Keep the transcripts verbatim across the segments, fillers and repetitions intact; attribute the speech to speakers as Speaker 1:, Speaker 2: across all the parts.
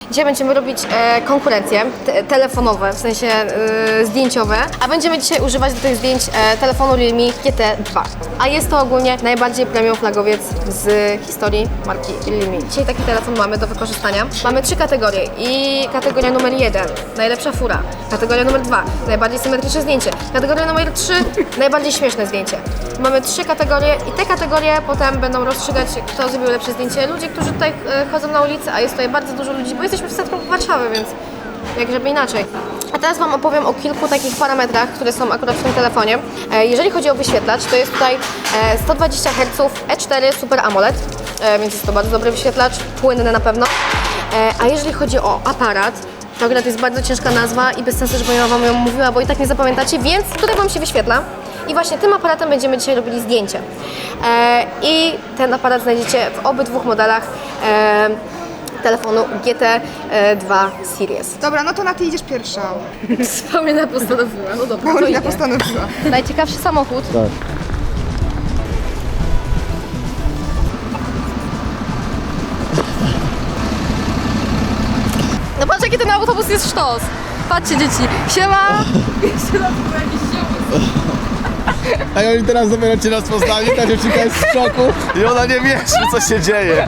Speaker 1: Dzisiaj będziemy robić e, konkurencje te, telefonowe, w sensie e, zdjęciowe, a będziemy dzisiaj używać do tych zdjęć e, telefonu Realme G T dwa. A jest to ogólnie najbardziej premium flagowiec z historii marki Realme. Dzisiaj taki telefon mamy do wykorzystania. Mamy trzy kategorie i kategoria numer jeden, najlepsza fura. Kategoria numer dwa, najbardziej symetryczne zdjęcie. Kategoria numer trzy, najbardziej śmieszne zdjęcie. Mamy trzy kategorie i te kategorie potem będą rozstrzygać, kto zrobił lepsze zdjęcie. Ludzie, którzy tutaj e, chodzą na ulicę, a jest tutaj bardzo dużo ludzi, bo jesteśmy w centrum Warszawy, więc jak żeby inaczej. A teraz Wam opowiem o kilku takich parametrach, które są akurat w tym telefonie. E, jeżeli chodzi o wyświetlacz, to jest tutaj e, sto dwadzieścia herców E cztery Super AMOLED, e, więc jest to bardzo dobry wyświetlacz, płynny na pewno. E, a jeżeli chodzi o aparat, to akurat jest bardzo ciężka nazwa i bez sensu, żebym ja Wam ją mówiła, bo i tak nie zapamiętacie, więc tutaj Wam się wyświetla. I właśnie tym aparatem będziemy dzisiaj robili zdjęcie. E, I ten aparat znajdziecie w obydwu modelach e, telefonu G T dwa Series.
Speaker 2: Dobra, no to na ty idziesz pierwsza.
Speaker 1: Paulina postanowiła, no dobra,
Speaker 2: Paulina no postanowiła.
Speaker 1: Najciekawszy samochód.
Speaker 3: Tak.
Speaker 1: No patrz, jaki ten autobus jest sztos. Patrzcie, dzieci. Siema!
Speaker 3: A oni teraz dopiero cię nas poznali, ta dziewczynka jest w szoku i ona nie wie, co się dzieje.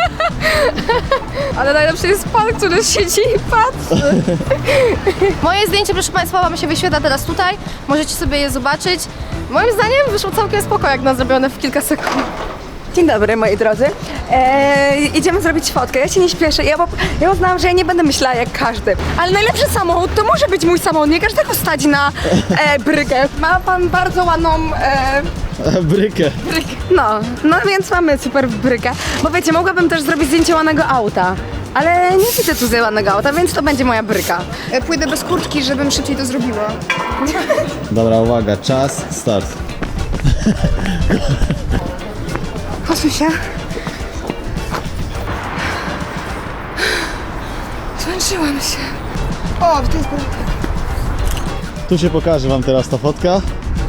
Speaker 1: Ale najlepszy jest pan, który siedzi i patrzy. Moje zdjęcie, proszę Państwa, Wam się wyświetla teraz tutaj. Możecie sobie je zobaczyć. Moim zdaniem wyszło całkiem spoko, jak na zrobione w kilka sekund.
Speaker 2: Dzień dobry, moi drodzy. Eee, idziemy zrobić fotkę. Ja się nie śpieszę. Ja, ja uznałam, że ja nie będę myślała jak każdy. Ale najlepszy samochód to może być mój samochód. Nie każdego stać na e, brykę. Ma pan bardzo ładną e,
Speaker 3: Brykę.
Speaker 2: brykę. No, no więc mamy super brykę. Bo wiecie, mogłabym też zrobić zdjęcie ładnego auta. Ale nie widzę tu ładnego auta, więc to będzie moja bryka. E, pójdę bez kurtki, żebym szybciej to zrobiła.
Speaker 3: Dobra, uwaga, czas, start.
Speaker 2: Posuń się. Zmęczyłam się. O, to jest bryka.
Speaker 3: Tu się pokaże wam teraz ta fotka.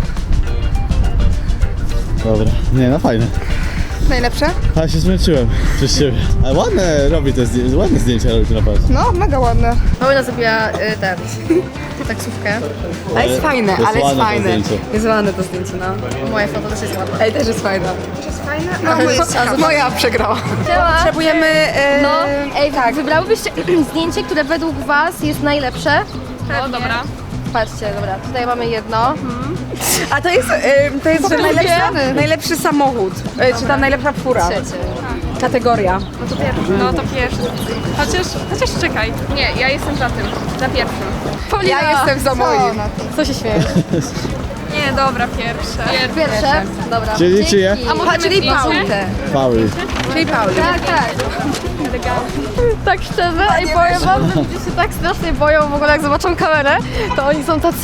Speaker 3: Dobra, nie no fajne.
Speaker 2: Najlepsze?
Speaker 3: Ale się zmęczyłem przez ciebie. Ale ładne robi te zdjęcia, ładne zdjęcia robi to naprawdę.
Speaker 2: No, mega ładne.
Speaker 1: Paulina zrobiła y, ten, taksówkę.
Speaker 2: Ale jest fajne,
Speaker 3: to jest
Speaker 2: ale jest
Speaker 3: ładne to
Speaker 2: fajne.
Speaker 3: zdjęcie.
Speaker 2: Jest ładne to zdjęcie, no.
Speaker 1: Moje foto też jest ładne.
Speaker 2: Ej, też jest fajne. Też jest fajne? No, bo jest
Speaker 1: ciekawe.
Speaker 2: moja przegrała.
Speaker 1: Siema.
Speaker 2: Potrzebujemy... E,
Speaker 1: No, ej,
Speaker 2: tak.
Speaker 1: wybrałybyście zdjęcie, które według Was jest najlepsze?
Speaker 4: No dobra.
Speaker 1: Patrzcie, dobra, tutaj mamy jedno.
Speaker 2: A to jest, e, to jest że najlepszy, najlepszy samochód. E, czy ta najlepsza fura.
Speaker 1: Trzecie.
Speaker 2: Kategoria.
Speaker 4: No to pierwszy. Chociaż, chociaż czekaj. Nie, ja jestem za tym. Za pierwszym.
Speaker 1: Paulina,
Speaker 2: Ja jestem za moim.
Speaker 1: co się śmiejesz?
Speaker 4: Nie, dobra, pierwsze.
Speaker 1: Pierwsze? Dobra.
Speaker 3: Czyli czyje?
Speaker 1: Dzięki.
Speaker 4: A możemy
Speaker 2: Czyli
Speaker 4: zdjęcie?
Speaker 2: Paulkę.
Speaker 3: Pauli.
Speaker 2: Czyli Pauli.
Speaker 1: Tak, tak. Tak szczerze i powiem Wam, że ludzie się tak strasznie boją w ogóle jak zobaczą kamerę, to oni są tacy...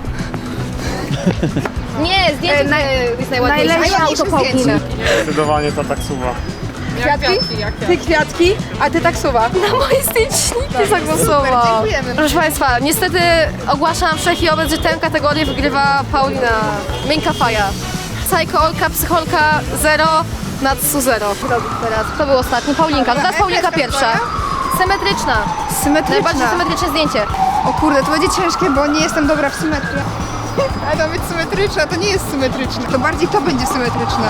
Speaker 1: Nie, zdjęcie
Speaker 2: E, naj-
Speaker 1: jest najładniejsze.
Speaker 2: najlepsze
Speaker 1: A auto
Speaker 2: zdjęcie.
Speaker 1: Pauliny.
Speaker 5: Zdecydowanie ta taksuwa.
Speaker 4: Jak
Speaker 2: Kwiatki?
Speaker 4: kwiatki, jak
Speaker 2: Ty kwiatki, a ty taksuwa.
Speaker 1: Na moje zdjęczniki zagłosował.
Speaker 2: dziękujemy.
Speaker 1: Proszę Państwa, niestety ogłaszam wszechiobec, że tę kategorię wygrywa Paulina. Miękka faja. Psycholka, psycholka zero, Natsu zero. Teraz, kto był ostatni? Paulinka. Teraz Paulinka pierwsza. Symetryczna.
Speaker 2: Symetryczna.
Speaker 1: Najbardziej symetryczne zdjęcie.
Speaker 2: O kurde, to będzie ciężkie, bo nie jestem dobra w symetrię. Ale to być symetryczna, to nie jest symetryczne. To bardziej to będzie symetryczne.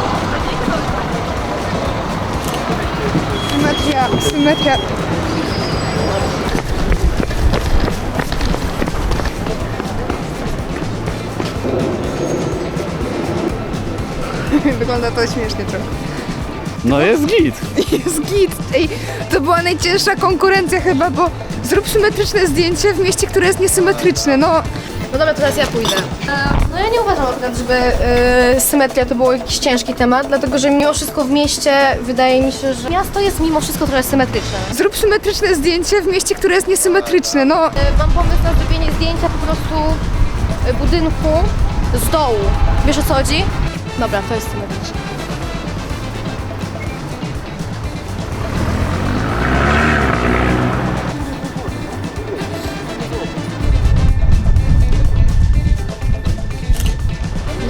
Speaker 2: Symetria, symetria. Wygląda to śmiesznie trochę.
Speaker 3: No jest git.
Speaker 2: Jest git. Ej, to była najcięższa konkurencja chyba, bo zrób symetryczne zdjęcie w mieście, które jest niesymetryczne. No,
Speaker 1: No dobra, teraz ja pójdę. No ja nie uważam akurat, żeby y, symetria to był jakiś ciężki temat, dlatego że mimo wszystko w mieście wydaje mi się, że miasto jest mimo wszystko trochę symetryczne.
Speaker 2: zrób symetryczne zdjęcie w mieście, które jest niesymetryczne. No,
Speaker 1: Y, Mam pomysł na zrobienie zdjęcia po prostu y, budynku z dołu. Wiesz o co chodzi? Dobra, to jest symetryczne.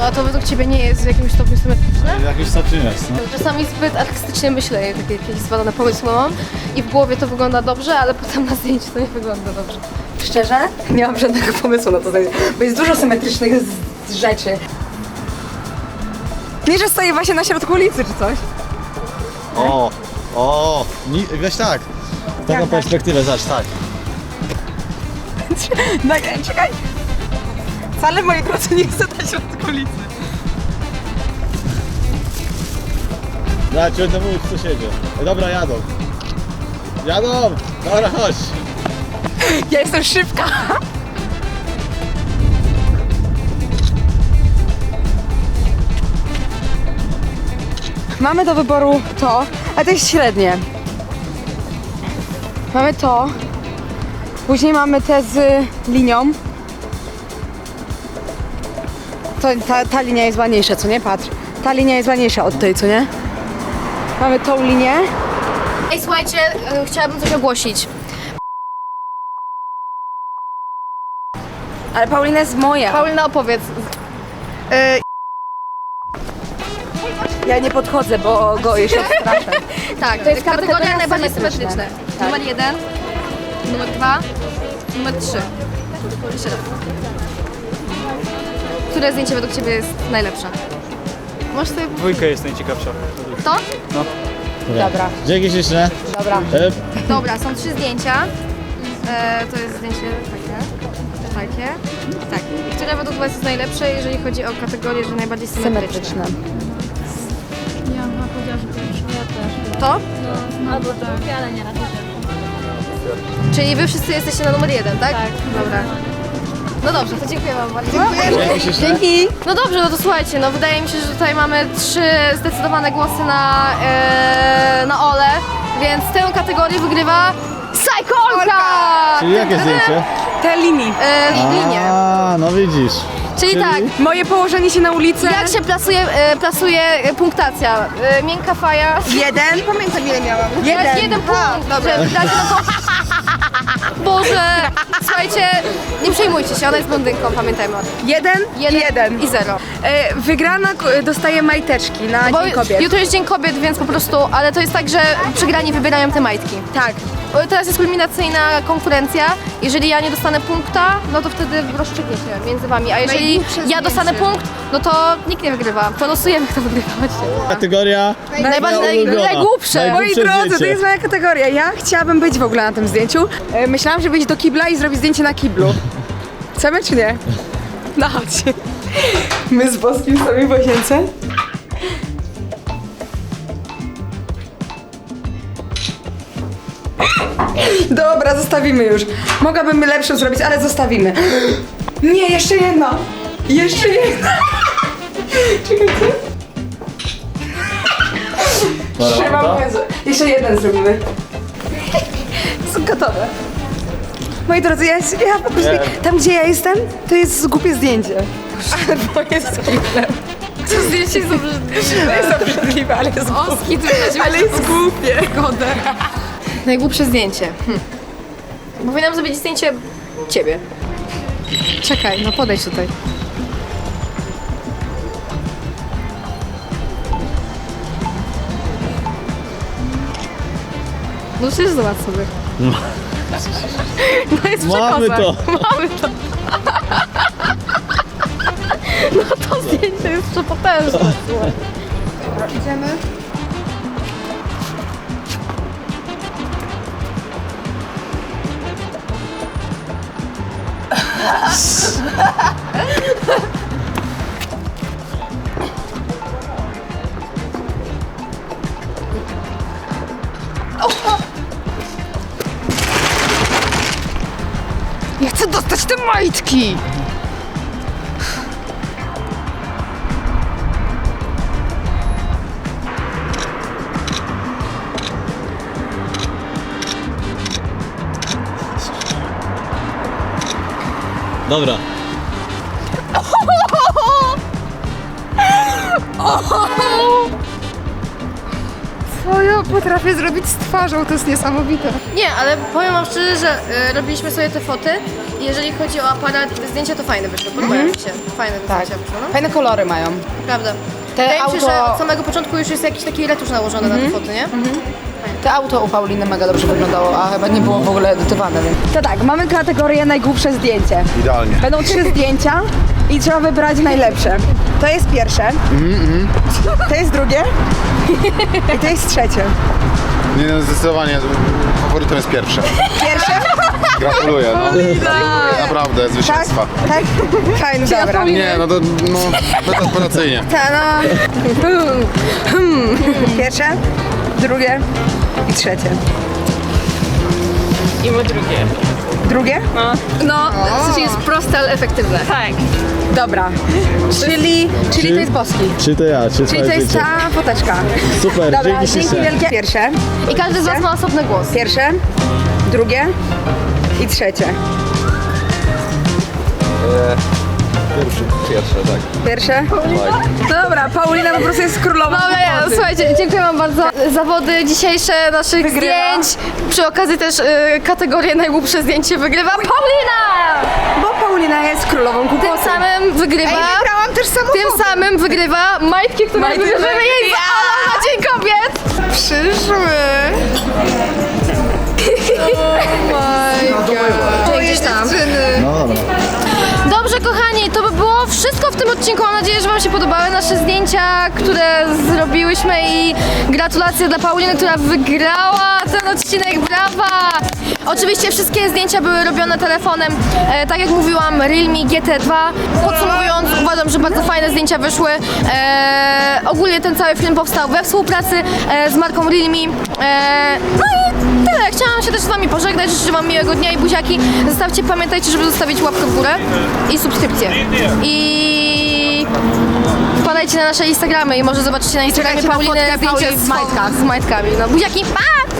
Speaker 1: No a to według Ciebie nie jest w jakimś stopniu symetryczne?
Speaker 3: W jakimś stopniu jest, no.
Speaker 1: Czasami zbyt artystycznie myślę, jak takie jakieś zwalone pomysły mam i w głowie to wygląda dobrze, ale potem na zdjęciu to nie wygląda dobrze.
Speaker 2: Szczerze? Nie mam żadnego pomysłu na to zdjęcie, bo jest dużo symetrycznych z- rzeczy. Nie, że stoję właśnie na środku ulicy czy coś.
Speaker 3: O, o, ni- weź tak. Taką
Speaker 2: tak?
Speaker 3: perspektywę, zacz, tak.
Speaker 2: No, czekaj. Wcale w mojej drodze nie chcę na środku ulicy.
Speaker 3: Ja ci będę mówić, co się dzieje. E, Dobra, jadą. Jadą! Dobra, chodź.
Speaker 2: Ja jestem szybka. Mamy do wyboru to, a to jest średnie. Mamy to. Później mamy te z linią. To, ta, ta linia jest ładniejsza, co nie? Patrz. Ta linia jest ładniejsza od tej, co nie? Mamy tą linię.
Speaker 1: Ej, słuchajcie, y, chciałabym coś ogłosić.
Speaker 2: Ale Paulina jest moja.
Speaker 1: Paulina, opowiedz. Y,
Speaker 2: Ja nie podchodzę, bo go jeszcze odstraszę.
Speaker 1: tak,
Speaker 2: To jest
Speaker 1: kategoria
Speaker 2: kategoria
Speaker 1: najbardziej
Speaker 2: symetryczna.
Speaker 1: symetryczne.
Speaker 2: Tak.
Speaker 1: Numer jeden, numer dwa, numer trzy. Jeszcze raz. Które zdjęcie według Ciebie jest najlepsze? Możesz sobie...
Speaker 5: Dwójka jest najciekawsza.
Speaker 1: To?
Speaker 2: Dobra.
Speaker 3: Dzięki śliczne.
Speaker 2: Dobra.
Speaker 3: E,
Speaker 1: Dobra, są trzy zdjęcia. E, to jest zdjęcie takie, takie, tak. I które według Was jest najlepsze, jeżeli chodzi o kategorię, że najbardziej symetryczne?
Speaker 2: Symetryczne.
Speaker 1: To?
Speaker 6: No, albo drugie, ale nie raczej pierwsze.
Speaker 1: Czyli Wy wszyscy jesteście na numer jeden, tak? Tak. Dobra. No dobrze, to dziękuję Wam bardzo.
Speaker 3: Dzięki śliczne.
Speaker 2: Dzięki.
Speaker 1: No dobrze, no to słuchajcie, no wydaje mi się, że tutaj mamy trzy zdecydowane głosy na, e, na Ole, więc tę kategorię wygrywa Psycholka!
Speaker 3: Czyli jakie zdjęcie?
Speaker 2: Te linii.
Speaker 1: E, linie.
Speaker 3: A, no widzisz.
Speaker 1: Czyli
Speaker 3: czyli-
Speaker 1: tak,
Speaker 2: Moje położenie się na ulicy.
Speaker 1: jak się plasuje, e, plasuje e, punktacja? E, miękka faja.
Speaker 2: Jeden. Pamiętam ile miałam.
Speaker 1: Jeden,
Speaker 2: Jeden.
Speaker 1: jeden punkt. Dobrze. Dajcie na to... Boże, słuchajcie, nie przejmujcie się, ona jest blondynką, pamiętajmy o tym.
Speaker 2: Jeden.
Speaker 1: Jeden,
Speaker 2: Jeden.
Speaker 1: i zero.
Speaker 2: E, wygrana k- dostaje majteczki na
Speaker 1: Bo
Speaker 2: Dzień Kobiet.
Speaker 1: jutro jest Dzień Kobiet, więc po prostu, ale to jest tak, że przegrani wybierają te majtki.
Speaker 2: Tak.
Speaker 1: O, teraz jest kulminacyjna konkurencja. Jeżeli ja nie dostanę punkta, no to wtedy rozstrzygnie się między wami. A jeżeli
Speaker 2: Najgłupsze
Speaker 1: ja
Speaker 2: zdjęcie.
Speaker 1: dostanę punkt, no to nikt nie wygrywa. To losujemy, kto wygrywa. Chodźcie.
Speaker 3: Kategoria
Speaker 1: Najbardziej
Speaker 3: moja ulubiona.
Speaker 1: najgłupsze.
Speaker 3: Najgłupsze
Speaker 2: Moi drodzy, to
Speaker 3: zdjęcie.
Speaker 2: jest moja kategoria. Ja chciałabym być w ogóle na tym zdjęciu. E, myślałam, że wyjść do kibla i zrobić zdjęcie na kiblu. Chcemy czy nie? No chodź. My z Boskim sobie w łazience. Dobra, zostawimy już. Mogłabym lepszą zrobić, ale zostawimy. Nie, jeszcze jedna. Jeszcze jedna. Czekajcie. Trzymam Jezu. Jeszcze jeden zrobimy. Są gotowe. Moi drodzy, ja, ja po prostu, tam gdzie ja jestem, to jest głupie zdjęcie. Bo jest kiblem.
Speaker 4: To zdjęcie jest obrzydliwe.
Speaker 2: To jest obrzydliwe, ale jest głupie.
Speaker 4: Oski, ty będziesz
Speaker 2: Ale jest głupie.
Speaker 4: godę.
Speaker 1: Najgłupsze zdjęcie. Hm. Powinnam zrobić zdjęcie ciebie. Czekaj, no podejdź tutaj. No przecież zobacz sobie. No jest
Speaker 3: Mamy
Speaker 1: przekozak.
Speaker 3: to.
Speaker 1: Mamy to. No to zdjęcie jest przepotężne. Dobra, idziemy.
Speaker 2: Ja chcę dostać te majtki.
Speaker 3: Dobra.
Speaker 2: swoją potrafię zrobić z twarzą, to jest niesamowite.
Speaker 1: Nie, ale powiem wam szczerze, że y, robiliśmy sobie te foty i jeżeli chodzi o aparat, zdjęcia to fajne wyszły, podobają mi się. Fajne
Speaker 2: Tak.
Speaker 1: zdjęcia wyszły, no.
Speaker 2: Fajne kolory mają.
Speaker 1: Prawda.
Speaker 2: Te
Speaker 1: Wydaje mi się,
Speaker 2: auto-
Speaker 1: że od samego początku już jest jakiś taki retusz nałożony na te foty, nie?
Speaker 2: To auto u Pauliny mega dobrze wyglądało, a chyba nie było w ogóle edytowane. Więc... To tak, mamy kategorię najgłupsze zdjęcie.
Speaker 3: Idealnie.
Speaker 2: Będą trzy zdjęcia i trzeba wybrać najlepsze. To jest pierwsze, to jest drugie i to jest trzecie.
Speaker 3: Nie no, zdecydowanie faworytem jest pierwsze.
Speaker 2: Pierwsze?
Speaker 3: Gratuluję, no. Gratuluję, naprawdę,
Speaker 2: Tak?
Speaker 3: zwycięstwa.
Speaker 2: Tak? Fajnie, dobra.
Speaker 3: Nie, no to no, bezoperacyjnie.
Speaker 2: Ta, no. Hmm. Pierwsze, drugie i trzecie.
Speaker 4: I my drugie.
Speaker 2: Drugie?
Speaker 1: No, w sensie jest proste, ale efektywne.
Speaker 4: Tak.
Speaker 2: Dobra. Czyli, czyli to jest boski.
Speaker 7: Czy to ja, czy
Speaker 2: Czyli to jest ta foteczka.
Speaker 7: Super,
Speaker 2: Dobra,
Speaker 7: dzięki
Speaker 2: dzięki
Speaker 7: ślicznie.
Speaker 2: wielkie. Pierwsze,
Speaker 1: I każdy z was ma osobny głos.
Speaker 2: pierwsze, drugie i trzecie.
Speaker 3: Pierwszy, pierwsze, tak.
Speaker 2: Pierwsze? Dobra, Paulina po prostu jest królową.
Speaker 1: Dobra, ja,
Speaker 2: mocy.
Speaker 1: słuchajcie, dziękuję wam bardzo. Zawody dzisiejsze naszych
Speaker 2: Wygrywa.
Speaker 1: zdjęć. Przy okazji też y, kategorię najgłupsze zdjęcie wygrywa Paulina!
Speaker 2: Bo Paulina jest królową
Speaker 1: Tym
Speaker 2: głupoty.
Speaker 1: samym wygrywa...
Speaker 2: Ej, wygrałam też samochód.
Speaker 1: Tym samym wygrywa majtki, które
Speaker 2: Majtki,
Speaker 1: wybierzemy
Speaker 2: majtki.
Speaker 1: jej z Alą na Dzień Kobiet!
Speaker 2: Przyszły.
Speaker 1: Czyli gdzieś tam.
Speaker 7: No dobra.
Speaker 1: Dobrze, kochani, to by było wszystko w tym odcinku. Mam nadzieję, że wam się podobały nasze zdjęcia, które zrobiłyśmy i gratulacje dla Pauliny, która wygrała ten odcinek. Brawa! Oczywiście wszystkie zdjęcia były robione telefonem, e, tak jak mówiłam, Realme G T dwa. Podsumowując, uważam, że bardzo fajne zdjęcia wyszły. E, ogólnie ten cały film powstał we współpracy e, z marką Realme. E, no i tyle. Chciałam się też z wami pożegnać. Życzę wam miłego dnia i buziaki. Zostawcie, pamiętajcie, żeby zostawić łapkę w górę i subskrypcję. I wpadajcie na nasze Instagramy i może zobaczycie na Instagramie
Speaker 2: Czekajcie na
Speaker 1: Pauliny
Speaker 2: fotkę
Speaker 1: zdjęcie
Speaker 2: Pauli
Speaker 1: z
Speaker 2: w majtkach.
Speaker 1: z majtkami. No buziaki, pa!